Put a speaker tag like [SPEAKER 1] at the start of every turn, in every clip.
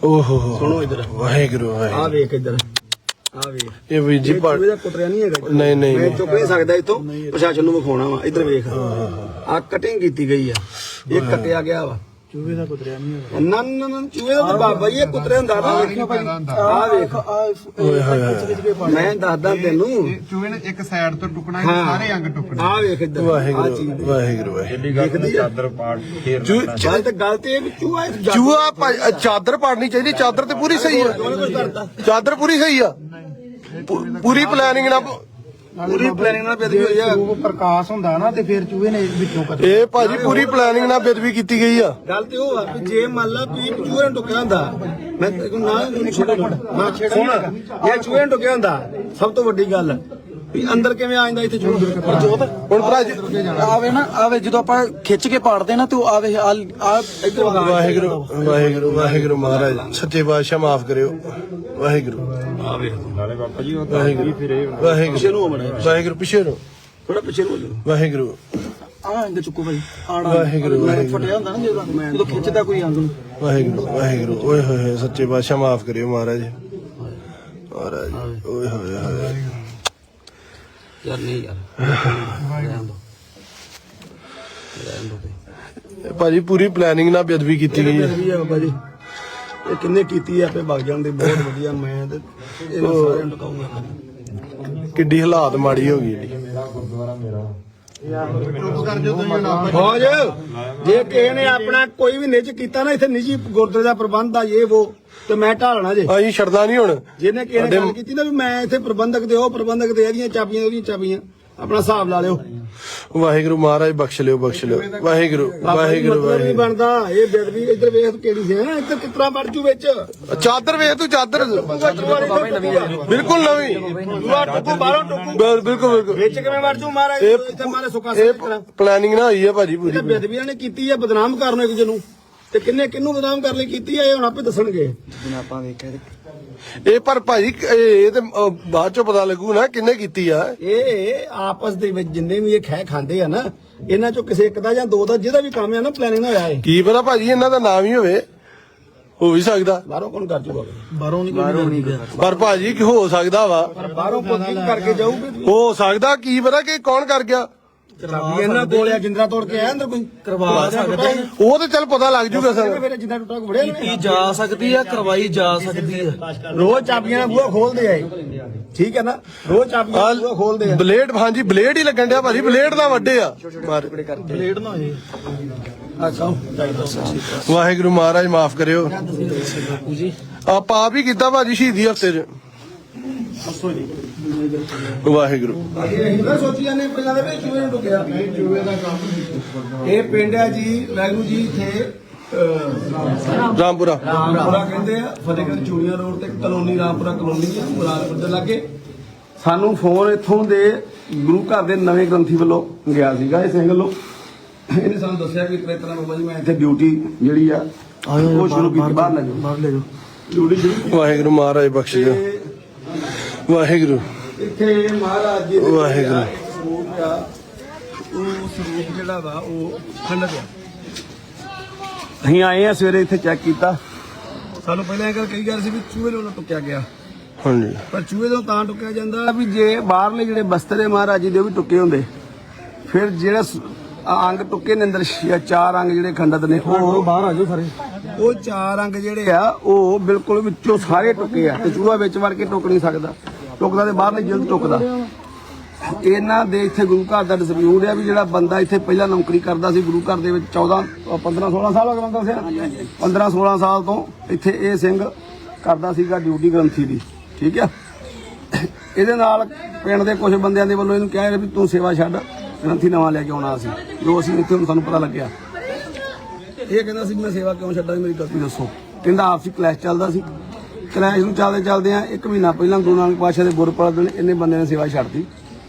[SPEAKER 1] ओहो
[SPEAKER 2] सुनो इधर
[SPEAKER 1] वाहेगुरु
[SPEAKER 2] आ वेख इधर आ वेख
[SPEAKER 1] ये भी जी
[SPEAKER 2] चूहे दा कुतरिया नहीं है
[SPEAKER 1] नहीं
[SPEAKER 2] मैं चुप नहीं सकदा इथों प्रशासन ਨੂੰ ਵਿਖਾਉਣਾ ਵਾ इधर वेख आ कटिंग ਕੀਤੀ गई आ ਇਹ ਕੱਟਿਆ ਗਿਆ ਵਾ चूहे ਦਾ ਕੁਤਰਿਆ ਨਹੀਂ ਹੈ ਨਾ ਨਾ ਨਾ ਚੂਹੇ ਦਾ ਬਾਬਾ ਜੀ ਇਹ ਕੁਤਰਿਆ ਹੁੰਦਾ ਨਾ ਆ ਵੇਖ ਓਏ ਹੋਏ ਮੈਂ ਦੱਸਦਾ ਤੈਨੂੰ
[SPEAKER 3] ਚੂਹੇ ਨੇ ਇੱਕ ਸਾਈਡ ਤੋਂ ਟੁਕਣਾ ਸਾਰੇ ਅੰਗ ਟੁਕਣੇ
[SPEAKER 2] ਆ ਵੇਖ ਇੱਧਰ
[SPEAKER 1] ਵਾਹਿਗੁਰੂ ਵਾਹਿਗੁਰੂ
[SPEAKER 2] ਦੇਖਦੀ ਚਾਦਰ ਪਾੜ ਫੇਰ ਚੱਲ ਤੇ ਗੱਲ ਤੇ ਇਹ ਵੀ
[SPEAKER 1] ਚੂਹਾ ਚਾਦਰ ਪਾੜਨੀ ਚਾਹੀਦੀ ਚਾਦਰ ਤੇ ਪੂਰੀ ਸਹੀ ਆ ਚਾਦਰ ਪੂਰੀ ਸਹੀ ਆ ਪੂਰੀ ਪਲੈਨਿੰਗ ਨਾਲ
[SPEAKER 2] ਪੂਰੀ ਪਲੈਨਿੰਗ ਨਾਲ ਬੇਦਬੀ ਹੋਈ ਆ
[SPEAKER 3] ਪ੍ਰਕਾਸ਼ ਹੁੰਦਾ ਨਾ ਤੇ ਫਿਰ ਚੂਹੇ ਨੇ ਵਿੱਚੋਂ
[SPEAKER 1] ਇਹ ਭਾਜੀ ਪੂਰੀ ਪਲੈਨਿੰਗ ਨਾਲ ਬੇਦਬੀ ਕੀਤੀ ਗਈ ਆ
[SPEAKER 2] ਗੱਲ ਤੇ ਉਹ ਆ ਵੀ ਜੇ ਮੰਨ ਲਾ ਵੀ ਚੂਹੇ ਨੂੰ ਟੁਕਿਆ ਹੁੰਦਾ ਮੈਂ ਤੈਨੂੰ ਨਾ ਸੁਣ ਇਹ ਚੂਹੇ ਨੂੰ ਟੁਕਿਆ ਹੁੰਦਾ ਸਭ ਤੋਂ ਵੱਡੀ ਗੱਲ ਵੀ ਅੰਦਰ ਕਿਵੇਂ ਆ ਜਾਂਦਾ ਇੱਥੇ ਚੂਹਾ
[SPEAKER 1] ਹੁਣ ਭਰਾ
[SPEAKER 4] ਆਵੇ ਨਾ ਆਵੇ ਜਦੋਂ ਆਪਾਂ ਖਿੱਚ ਕੇ ਪਾੜਦੇ ਨਾ ਤੇ ਉਹ ਆਵੇ ਆ
[SPEAKER 2] ਇੱਧਰ
[SPEAKER 1] ਵਾਹਿਗੁਰੂ ਵਾਹਿਗੁਰੂ ਵਾਹਿਗੁਰੂ ਮਹਾਰਾਜ ਸੱਚੇ ਬਾਦਸ਼ਾਹ ਮਾਫ ਕਰਿਓ ਵਾਹਿਗੁਰੂ
[SPEAKER 2] ਆਵੇ ਨਾਲੇ ਬਾਬਾ ਜੀ
[SPEAKER 1] ਵਾਹਿਗੁਰੂ ਵਾਹਿਗੁਰੂ ਵਾਹਿਗੁਰੂ ਪਿੱਛੇ ਨੂੰ
[SPEAKER 2] ਥੋੜਾ ਪਿੱਛੇ ਨੂੰ ਹੋ ਜਾਓ
[SPEAKER 1] ਵਾਹਿਗੁਰੂ
[SPEAKER 4] ਆ ਇੰਦ ਚੁੱਕੋ ਭਾਈ ਆੜਾ
[SPEAKER 1] ਵਾਹਿਗੁਰੂ ਵਾਹਿਗੁਰੂ
[SPEAKER 4] ਫਟਿਆ ਹੁੰਦਾ ਨਾ ਜਦੋਂ ਖਿੱਚਦਾ ਕੋਈ ਅੰਗ ਨੂੰ
[SPEAKER 1] ਵਾਹਿਗੁਰੂ ਵਾਹਿਗੁਰੂ ਓਏ ਹੋਏ ਸੱਚੇ ਬਾਦਸ਼ਾਹ ਮਾਫ ਕਰਿਓ ਮਹਾਰਾਜ ਮਹਾਰਾਜ ਓਏ ਹੋਏ ਹੋਏ
[SPEAKER 2] ਯਾਰ ਨਹੀਂ ਯਾਰ ਰਹਿਣ ਦੋ
[SPEAKER 1] ਭਾਜੀ ਪੂਰੀ ਪਲੈਨਿੰਗ ਨਾਲ ਬੇਦਬੀ ਕੀਤੀ ਗਈ ਹੈ
[SPEAKER 2] ਹੈ ਬਾਬਾ ਜੀ ਇਹ ਕਿੰਨੇ ਕੀਤੀ ਆ ਆਪੇ ਵਗ ਜਾਂਦੇ ਬਹੁਤ ਵਧੀਆ ਮੈਂ ਤੇ ਇਹਨਾਂ ਸਾਰਿਆਂ ਨੂੰ ਟਕਾਉਂਗਾ
[SPEAKER 1] ਕਿੱਡੀ ਹਾਲਾਤ ਮਾੜੀ ਹੋ ਗਈ ਜਿਹੜੀ
[SPEAKER 2] ਫੌਜ ਜੇ ਕਿਸੇ ਨੇ ਆਪਣਾ ਕੋਈ ਵੀ ਨਿੱਜ ਕੀਤਾ ਨਾ ਇੱਥੇ ਨਿੱਜੀ ਗੁਰਦੁਆਰੇ ਦਾ ਪ੍ਰਬੰਧ ਆ ਇਹ ਉਹ ਤੇ ਮੈਂ ਢਾਲਣਾ ਜੇ
[SPEAKER 1] ਅਸੀਂ ਛੱਡਦਾ ਨਹੀਂ ਹੁਣ
[SPEAKER 2] ਜਿਹਨੇ ਕਿਸੇ ਨੇ ਗੱਲ ਕੀਤੀ ਨਾ ਵੀ ਮੈਂ ਇੱਥੇ ਪ੍ਰਬੰਧਕ ਦੇ ਉਹ ਪ੍ਰਬੰਧਕ ਦੇ ਇਹਦੀਆਂ ਚਾਬੀਆਂ ਉਹਦੀਆਂ ਚਾਬੀਆਂ ਆਪਣਾ ਹਿਸਾਬ ਲਾ ਲਿਓ
[SPEAKER 1] ਵਾਹਿਗੁਰੂ ਮਹਾਰਾਜ ਬਖਸ਼ ਲਿਓ ਵਾਹਿਗੁਰੂ ਵਾਹਿਗੁਰੂ
[SPEAKER 2] ਨਹੀਂ
[SPEAKER 1] ਵਾਹਿਗੁਰੂ
[SPEAKER 2] ਬਣਦਾ ਇਹ ਬੇਦਬੀ ਇੱਧਰ ਵੇਖ ਕਿਹੜੀ ਸੀ ਇੱਧਰ ਕਿਤਨਾ ਵੜ ਜੂ ਵਿੱਚ
[SPEAKER 1] ਚਾਦਰ ਵੇਖ ਤੂੰ ਚਾਦਰ ਬਿਲਕੁਲ ਨਵੀਂ
[SPEAKER 2] ਦੂਆ ਟੁੱਕੂ ਬਾਹਰੋਂ ਟੁੱਕੂ
[SPEAKER 1] ਬਿਲਕੁਲ ਬਿਲਕੁਲ
[SPEAKER 2] ਵਿੱਚ ਕਿਵੇਂ ਵੜ ਜੂ ਮਹਾਰਾਜ ਇੱਥੇ ਮਾਰੇ ਸੁੱਕਾ
[SPEAKER 1] ਇਹ ਪਲੈਨਿੰਗ ਨਾ ਹੋਈ ਹੈ ਭਾਜੀ ਪੂਰੀ
[SPEAKER 2] ਬੇਦਬੀਆਂ ਨੇ ਕੀਤੀ ਹੈ ਬਦਨਾਮ ਕਰਨ ਇੱਕ ਜਨੂੰ ਤੇ ਕਿੰਨੇ ਕਿੰਨੂੰ ਬਦਨਾਮ ਕਰਨ ਲਈ ਕੀਤੀ ਹੈ ਇਹ ਹੁਣ ਆਪੇ ਦੱਸਣਗੇ
[SPEAKER 4] ਆਪਾਂ ਵੇਖਿਆ
[SPEAKER 1] ਇਹ ਪਰ ਭਾਜੀ ਇਹ ਤੇ ਬਾਅਦ ਚੋਂ ਪਤਾ ਲੱਗੂ ਨਾ ਕਿੰਨੇ ਕੀਤੀ ਆ
[SPEAKER 2] ਇਹ ਆਪਸ ਦੇ ਵਿੱਚ ਜਿੰਨੇ ਵੀ ਇਹ ਖੈ ਖਾਂਦੇ ਆ ਨਾ ਇਹਨਾਂ ਚੋਂ ਕਿਸੇ ਇੱਕ ਦਾ ਜਾਂ ਦੋ ਦਾ ਜਿਹਦਾ ਵੀ ਕੰਮ ਆ ਨਾ ਪਲੈਨਿੰਗ ਨਾਲ ਹੋਇਆ ਹੈ
[SPEAKER 1] ਕੀ ਪਤਾ ਭਾਜੀ ਇਹਨਾਂ ਦਾ ਨਾਮ ਹੀ ਹੋਵੇ ਹੋ ਵੀ ਸਕਦਾ
[SPEAKER 2] ਬਾਹਰੋਂ ਕੌਣ ਕਰ ਜੂਗਾ
[SPEAKER 4] ਬਾਹਰੋਂ ਨਹੀਂ
[SPEAKER 1] ਪਰ ਭਾਜੀ ਕੀ ਹੋ ਸਕਦਾ ਵਾ
[SPEAKER 2] ਪਰ ਬਾਹਰੋਂ ਕੋਈ ਕਰਕੇ ਜਾਊਗੇ
[SPEAKER 1] ਹੋ ਸਕਦਾ ਕੀ ਪਤਾ ਕਿ ਕੌਣ ਕਰ ਗਿਆ
[SPEAKER 2] ਚਾਬੀ ਇਹਨਾਂ ਕੋਲ ਆ ਜਿੰਦਰਾ ਤੋੜ ਕੇ ਆਇਆ ਅੰਦਰ ਕੋਈ
[SPEAKER 4] ਕਰਵਾ ਸਕਦੇ
[SPEAKER 1] ਉਹ ਤੇ ਚੱਲ ਪਤਾ ਲੱਗ ਜੂਗਾ ਸਰ
[SPEAKER 2] ਫਿਰ ਜਿੰਦਾ ਟੁੱਟਾ ਕੋ ਵੜਿਆ
[SPEAKER 4] ਕੀਤੀ ਜਾ ਸਕਦੀ ਆ ਕਰਵਾਈ ਜਾ ਸਕਦੀ ਆ
[SPEAKER 2] ਰੋਜ਼ ਚਾਬੀਆਂ ਨਾਲ ਬੂਹਾ ਖੋਲਦੇ ਆਏ ਠੀਕ ਹੈ ਨਾ ਰੋਜ਼ ਚਾਬੀਆਂ ਨਾਲ ਬੂਹਾ ਖੋਲਦੇ ਆ
[SPEAKER 1] ਬਲੇਡ ਹਾਂਜੀ ਬਲੇਡ ਹੀ ਲੱਗਣ ਡਿਆ ਭਾਜੀ ਬਲੇਡ ਦਾ ਵੱਡੇ ਆ
[SPEAKER 4] ਬਲੇਡ ਨਾ ਹੋਏ
[SPEAKER 2] ਅੱਛਾ
[SPEAKER 1] ਵਾਹਿਗੁਰੂ ਮਹਾਰਾਜ ਮਾਫ ਕਰਿਓ
[SPEAKER 4] ਜੀ
[SPEAKER 1] ਆਪਾਂ ਆਪ ਹੀ ਕੀਤਾ ਭਾਜੀ ਸ਼ਹੀਦੀ ਹਫਤੇ 'ਚ ਵਾਹਿਗੁਰੂ
[SPEAKER 2] ਇਹ ਸੋਚੀ ਜਾਂਦੇ ਪਹਿਲਾਂ ਦੇ ਵਿੱਚ ਚੂਹੇ ਨੂੰ ਟੁਕਿਆ ਇਹ ਪਿੰਡ ਹੈ ਜੀ ਵਾਹਿਗੁਰੂ ਜੀ ਇੱਥੇ
[SPEAKER 1] ਰਾਮਪੁਰਾ
[SPEAKER 2] ਰਾਮਪੁਰਾ ਕਹਿੰਦੇ ਆ ਫਤਿਹਗੜ੍ਹ ਚੂੜੀਆਂ ਰੋਡ ਤੇ ਕਲੋਨੀ ਰਾਮਪੁਰਾ ਕਲੋਨੀ ਆ ਮੁਰਾਦਪੁਰ ਦੇ ਲਾਗੇ ਸਾਨੂੰ ਫੋਨ ਇੱਥੋਂ ਦੇ ਗੁਰੂ ਘਰ ਦੇ ਨਵੇਂ ਗ੍ਰੰਥੀ ਵੱਲੋਂ ਗਿਆ ਸੀਗਾ ਇਹ ਸਿੰਘ ਵੱਲੋਂ ਇਹਨੇ ਸਾਨੂੰ ਦੱਸਿਆ ਕਿ ਤੇਰਾ ਬਾਬਾ ਜੀ ਮੈਂ ਇੱਥੇ ਡਿਊਟੀ ਜਿਹੜੀ ਆ ਉਹ ਸ਼ੁਰੂ ਕੀਤੀ ਬਾਹਰ ਲੈ ਜਾਓ ਡਿਊਟੀ ਸ਼ੁਰੂ
[SPEAKER 1] ਵਾਹਿਗੁਰੂ ਮਹਾਰਾਜ ਬਖਸ਼ ਦਿਓ ਵਾਹਿਗੁਰੂ
[SPEAKER 2] ਇੱਥੇ ਮਹਾਰਾਜ ਜੀ
[SPEAKER 1] ਵਾਹਿਗੁਰੂ
[SPEAKER 2] ਉਹ ਸਰੂਪ ਜਿਹੜਾ ਵਾ ਉਹ ਖੰਡਿਤ ਆ ਅਸੀਂ ਆਏ ਆ ਸਵੇਰੇ ਇੱਥੇ ਚੈੱਕ ਕੀਤਾ ਸਾਨੂੰ ਪਹਿਲਾਂ ਇਹ ਗੱਲ ਕਹੀ ਜਾ ਸੀ ਵੀ ਚੂਹੇ ਨੂੰ ਟੁੱਕਿਆ ਗਿਆ
[SPEAKER 1] ਹਾਂਜੀ
[SPEAKER 2] ਪਰ ਚੂਹੇ ਤੋਂ ਤਾਂ ਟੁੱਕਿਆ ਜਾਂਦਾ ਵੀ ਜੇ ਬਾਹਰਲੇ ਜਿਹੜੇ ਬਸਤਰ ਹੈ ਮਹਾਰਾਜ ਜੀ ਦੇ ਉਹ ਵੀ ਟੁੱਕੇ ਹੁੰਦੇ ਫਿਰ ਜਿਹੜਾ ਅੰਗ ਟੁੱਕੇ ਨੇ ਅੰਦਰ ਚਾਰ ਅੰਗ ਜਿਹੜੇ ਖੰਡਿਤ ਨੇ ਉਹ
[SPEAKER 4] ਬਾਹਰ ਆ ਜਾਓ ਸਾਰੇ
[SPEAKER 2] ਉਹ ਚਾਰ ਅੰਗ ਜਿਹੜੇ ਆ ਉਹ ਬਿਲਕੁਲ ਵਿੱਚੋਂ ਸਾਰੇ ਟੁੱਕੇ ਆ ਤੇ ਚੂਹਾ ਵਿੱਚ ਵੜ ਕੇ ਟੁੱਕ ਨਹੀਂ ਸਕਦਾ ਟੁੱਕਦਾ ਤੇ ਬਾਹਰਲੀ ਜਿਲਦ ਟੁੱਕਦਾ ਇਹਨਾਂ ਦੇ ਇੱਥੇ ਗੁਰੂ ਘਰ ਦਾ ਡਿਸਪਿਊਟ ਆ ਵੀ ਜਿਹੜਾ ਬੰਦਾ ਇੱਥੇ ਪਹਿਲਾਂ ਨੌਕਰੀ ਕਰਦਾ ਸੀ ਗੁਰੂ ਘਰ ਦੇ ਵਿੱਚ 15 16 ਸਾਲ ਹੋ ਗਏ ਬੰਦਾ ਉਸੇ 15 16 ਸਾਲ ਤੋਂ ਇੱਥੇ ਇਹ ਸਿੰਘ ਕਰਦਾ ਸੀਗਾ ਡਿਊਟੀ ਗ੍ਰੰਥੀ ਦੀ ਠੀਕ ਆ ਇਹਦੇ ਨਾਲ ਪਿੰਡ ਦੇ ਕੁਝ ਬੰਦਿਆਂ ਦੇ ਵੱਲੋਂ ਇਹਨੂੰ ਕਿਹਾ ਵੀ ਤੂੰ ਸੇਵਾ ਛੱਡ ਗ੍ਰੰਥੀ ਨਵਾਂ ਲੈ ਕੇ ਆਉਣਾ ਸੀ ਜੋ ਅਸੀਂ ਇੱਥੇ ਹੁਣ ਸਾਨੂੰ ਪਤਾ ਲੱਗਿਆ ਇਹ ਕਹਿੰਦਾ ਸੀ ਮੈਂ ਸੇਵਾ ਕਿਉਂ ਛੱਡਾਂ ਮੇਰੀ ਗਲਤੀ ਦੱਸੋ ਕਹਿੰਦਾ ਆਪਸੀ ਕਲੈਸ਼ ਚੱਲਦਾ ਸੀ ਕਲੈਸ਼ ਨੂੰ ਚੱਲਦੇ ਆ 1 ਮਹੀਨਾ ਪਹਿਲਾਂ ਗੁਰੂ ਨਾਨਕ ਪਾਤਸ਼ਾਹ ਦੇ ਗੁਰਪੁਰਬ ਦਿਨ ਇਹਨੇ ਬੰਦੇ ਨੇ ਸੇਵਾ ਛੱਡਤੀ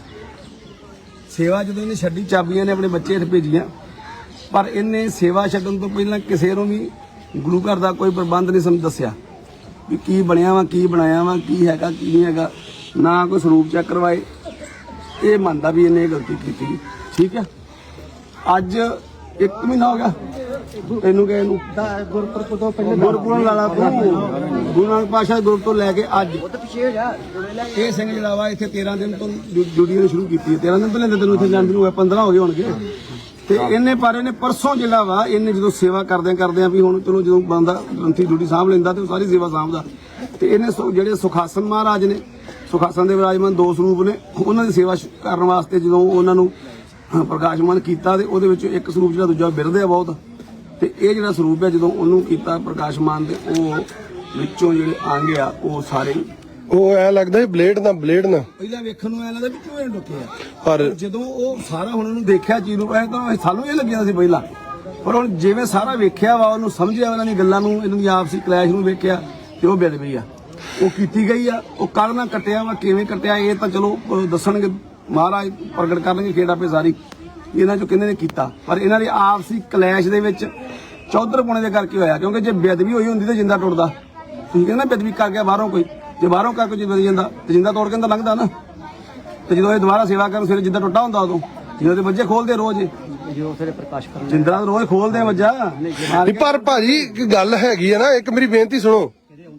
[SPEAKER 2] ਸੇਵਾ ਜਦੋਂ ਇਹਨੇ ਛੱਡੀ ਚਾਬੀਆਂ ਨੇ ਆਪਣੇ ਬੱਚੇ ਇੱਥੇ ਭੇਜੀਆਂ ਪਰ ਇਹਨੇ ਸੇਵਾ ਛੱਡਣ ਤੋਂ ਪਹਿਲਾਂ ਕਿਸੇ ਨੂੰ ਵੀ ਗੁਰੂ ਘਰ ਦਾ ਕੋਈ ਪ੍ਰਬੰਧ ਨਹੀਂ ਸਾਨੂੰ ਦੱਸਿਆ ਵੀ ਕੀ ਬਣਿਆ ਵਾ ਕੀ ਬਣਾਇਆ ਵਾ ਕੀ ਹੈਗਾ ਕੀ ਨਹੀਂ ਹੈਗਾ ਨਾ ਕੋਈ ਸਰੂਪ ਚੈੱਕ ਕਰਵਾਏ ਇਹ ਮੰਨਦਾ ਵੀ ਇਹਨੇ ਇਹ ਗਲਤੀ ਕੀਤੀ ਠੀਕ ਹੈ ਅੱਜ 1 ਮਹੀਨਾ ਹੋ ਗਿਆ ਤੈਨੂੰ ਕਹੇ ਨੂੰ
[SPEAKER 3] ਗੁਰਪੁਰਬ ਤੋਂ ਪਹਿਲੇ
[SPEAKER 2] ਗੁਰਪੁਰਬ ਲਾਲਾ ਤੂੰ ਗੁਰੂ ਨਾਨਕ ਪਾਤਸ਼ਾਹ ਗੁਰੂ ਤੋਂ ਲੈ ਕੇ ਅੱਜ ਇਹ ਸਿੰਘ ਜਿਹੜਾ ਵਾ ਇੱਥੇ 13 ਦਿਨ ਤੋਂ ਡਿਊਟੀ ਸ਼ੁਰੂ ਕੀਤੀ ਹੈ। 13 ਦਿਨ ਤੋਂ ਲੈਂਦੇ ਤੈਨੂੰ ਇੱਥੇ ਜਾਣ ਨੂੰ 15 ਹੋ ਗਏ ਹੋਣਗੇ। ਤੇ ਇਹਨੇ ਪਰਸੋਂ ਜਿਹੜਾ ਵਾ ਇਹਨੇ ਜਦੋਂ ਸੇਵਾ ਕਰਦੇ ਆ ਵੀ ਹੁਣ ਚਲੋ ਜਦੋਂ ਬੰਦਾ ਗ੍ਰੰਥੀ ਡਿਊਟੀ ਸਾਂਭ ਲੈਂਦਾ ਤੇ ਉਹ ਸਾਰੀ ਸੇਵਾ ਸਾਂਭਦਾ। ਤੇ ਇਹਨੇ ਜਿਹੜੇ ਸੁਖਾਸਨ ਮਹਾਰਾਜ ਨੇ, ਸੁਖਾਸਨ ਦੇ ਵਿਰਾਜਮਾਨ 2 ਸਰੂਪ ਨੇ, ਉਹਨਾਂ ਦੀ ਸੇਵਾ ਕਰਨ ਵਾਸਤੇ ਜਦੋਂ ਉਹਨਾਂ ਨੂੰ ਪ੍ਰਕਾਸ਼ਮਾਨ ਕੀਤਾ ਤੇ ਉਹਦੇ ਵਿੱਚ ਇੱਕ ਸਰੂਪ ਜਿਹੜਾ ਦੂਜਾ ਬਿਰਦੇ ਆ ਬਹੁਤ। ਤੇ ਇਹ ਜਿਹੜਾ ਸਰੂਪ ਹੈ ਜਦੋਂ ਉਹਨੂੰ ਕੀਤਾ ਪ੍ਰਕਾਸ਼ਮਾਨ ਦੇ ਉਹ ਵਿੱਚੋਂ ਜਿਹੜੇ ਅੰਗ ਆ ਉਹ ਸਾਰੇ
[SPEAKER 1] ਉਹ ਐ ਲੱਗਦਾ ਬਲੇਡ ਨਾ
[SPEAKER 2] ਪਹਿਲਾਂ ਵੇਖਣ ਨੂੰ ਐ ਲੱਗਦਾ ਵੀ ਕਿਉਂ ਡੁੱਕੇ ਆ,
[SPEAKER 1] ਪਰ
[SPEAKER 2] ਜਦੋਂ ਉਹ ਸਾਰਾ ਹੁਣ ਉਹਨੂੰ ਦੇਖਿਆ ਚੀਜ਼ ਨੂੰ ਤਾਂ ਸਾਨੂੰ ਇਹ ਲੱਗਿਆ ਸੀ ਪਹਿਲਾਂ, ਪਰ ਹੁਣ ਜਿਵੇਂ ਸਾਰਾ ਵੇਖਿਆ ਵਾ ਉਹਨੂੰ ਸਮਝਿਆ ਉਹਨਾਂ ਦੀ ਗੱਲਾਂ ਨੂੰ, ਇਹਨਾਂ ਦੀ ਆਪਸੀ ਕਲੈਸ਼ ਨੂੰ ਵੇਖਿਆ ਤੇ ਉਹ ਬੇਦਬੀ ਆ ਉਹ ਕੀਤੀ ਗਈ ਆ। ਉਹ ਕੱਲ ਨਾ ਕੱਟਿਆ ਵਾ ਕਿਵੇਂ ਕੱਟਿਆ ਇਹ ਤਾਂ ਚਲੋ ਦੱਸਣਗੇ ਮਹਾਰਾਜ ਪ੍ਰਗਟ ਕਰਨਗੇ ਖੇਡ ਆਪੇ ਸਾਰੀ ਇਹਨਾਂ ਚੋਂ ਕਿਹਨੇ ਨੇ ਕੀਤਾ। ਪਰ ਇਹਨਾਂ ਦੀ ਆਪਸੀ ਕਲੈਸ਼ ਦੇ ਵਿੱਚ ਚੌਧਰ ਪੁਣੇ ਦੇ ਕਰਕੇ ਹੋਇਆ, ਕਿਉਂਕਿ ਜੇ ਬੇਦਬੀ ਹੋਈ ਹੁੰਦੀ ਤਾਂ ਜਿੰਦਾ ਟੁੱਟਦਾ। ਤੁਸੀਂ ਕਹਿੰਦੇ ਨਾ ਬੇਦਬੀ ਕਰ ਗਿਆ ਬਾਹਰੋਂ ਕੋਈ, ਜੇ ਬਾਹਰੋਂ ਕਰਕੇ ਜੇ ਬਦਲ ਜਾਂਦਾ ਤੇ ਜਿੰਦਾ ਤੋੜ ਕੇ ਤਾਂ ਲੰਘਦਾ ਨਾ। ਤੇ ਜਦੋਂ ਇਹ ਦੁਬਾਰਾ ਸੇਵਾ ਕਰਨ ਫਿਰ ਜਿੰਦਾ ਟੁੱਟਾ ਹੁੰਦਾ ਉਦੋਂ ਜਦੋਂ ਤੇ ਵੱਜੇ ਖੋਲਦੇ ਰੋਜ਼ ਜਿੰਦਾ ਰੋਜ਼ ਖੋਲਦੇ ਵੱਜਾ।
[SPEAKER 1] ਪਰ ਭਾਜੀ ਇੱਕ ਗੱਲ ਹੈਗੀ ਆ ਨਾ, ਇੱਕ ਮੇਰੀ ਬੇਨਤੀ ਸੁਣੋ।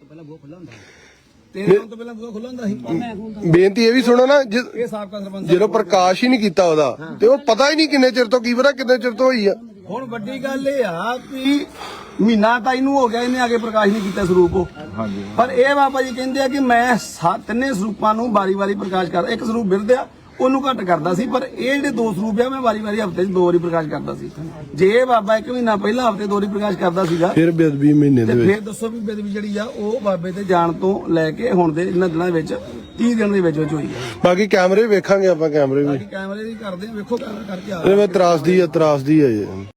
[SPEAKER 2] ਤੇਰੇ ਤੋਂ ਪਹਿਲਾਂ ਬੂਹਾ ਖੁੱਲ੍ਹਾ ਹੁੰਦਾ ਸੀ।
[SPEAKER 1] ਬੇਨਤੀ ਇਹ ਵੀ ਸੁਣੋ ਨਾ,
[SPEAKER 2] ਇਹ ਸਾਬਕਾ ਸਰਪੰਚ
[SPEAKER 1] ਜਦੋਂ ਪ੍ਰਕਾਸ਼ ਹੀ ਨਹੀਂ ਕੀਤਾ ਉਹਦਾ ਤੇ ਉਹ ਪਤਾ ਹੀ ਨਹੀਂ ਕਿੰਨੇ ਚਿਰ ਤੋਂ, ਕੀ ਪਤਾ ਕਿੰਨੇ ਚਿਰ ਤੋਂ ਹੋਈ ਆ।
[SPEAKER 2] ਹੁਣ ਵੱਡੀ ਗੱਲ ਇਹ ਆ ਕਿ ਮਹੀਨਾ ਤਾਂ ਇਹਨੂੰ ਹੋ ਗਿਆ, ਇਹਨੇ ਆ ਕੇ ਪ੍ਰਕਾਸ਼ ਨਹੀਂ ਕੀਤਾ ਸਰੂਪ ਉਹ। ਪਰ ਇਹ ਬਾਬਾ ਜੀ ਕਹਿੰਦੇ ਆ ਕਿ ਮੈਂ ਤਿੰਨੇ ਸਰੂਪਾਂ ਨੂੰ ਵਾਰੀ-ਵਾਰੀ ਪ੍ਰਕਾਸ਼ ਕਰਦਾ। ਇੱਕ ਸਰੂਪ ਬਿਰਦਿਆ ਉਹਨੂੰ ਘੱਟ ਕਰਦਾ ਸੀ, ਪਰ ਇਹ ਜਿਹੜੇ 2 ਸਰੂਪ ਆ ਮੈਂ ਵਾਰੀ-ਵਾਰੀ ਹਫ਼ਤੇ 'ਚ 2 ਵਾਰੀ ਪ੍ਰਕਾਸ਼ ਕਰਦਾ ਸੀ। ਜੇ ਇਹ ਬਾਬਾ 1 ਮਹੀਨਾ ਪਹਿਲਾਂ ਹਫ਼ਤੇ 2 ਵਾਰੀ ਪ੍ਰਕਾਸ਼ ਕਰਦਾ ਸੀਗਾ
[SPEAKER 1] ਫਿਰ ਬੇਦਬੀ ਮਹੀਨੇ ਦੇ
[SPEAKER 2] ਤੇ
[SPEAKER 1] ਵਿੱਚ
[SPEAKER 2] ਫਿਰ ਦੱਸੋ ਵੀ ਬੇਦਬੀ ਜਿਹੜੀ ਆ ਉਹ ਬਾਬੇ ਤੇ ਜਾਣ ਤੋਂ ਲੈ ਕੇ ਹੁਣ ਦੇ ਇਹਨਾਂ ਦਿਨਾਂ ਵਿੱਚ 30 ਦਿਨ ਦੇ ਵਿੱਚ ਹੋਈ ਆ।
[SPEAKER 1] ਬਾਕੀ ਕੈਮਰੇ ਵੇਖਾਂਗੇ ਆਪਾਂ, ਕੈਮਰੇ ਵੀ
[SPEAKER 2] ਕੈਮਰੇ ਦੀ ਕਰਦੇ ਆ, ਵੇਖੋ ਕਰਕੇ ਆ
[SPEAKER 1] ਇਹ ਮੈਂ ਤਰਾਸਦੀ ਆ ਜੀ।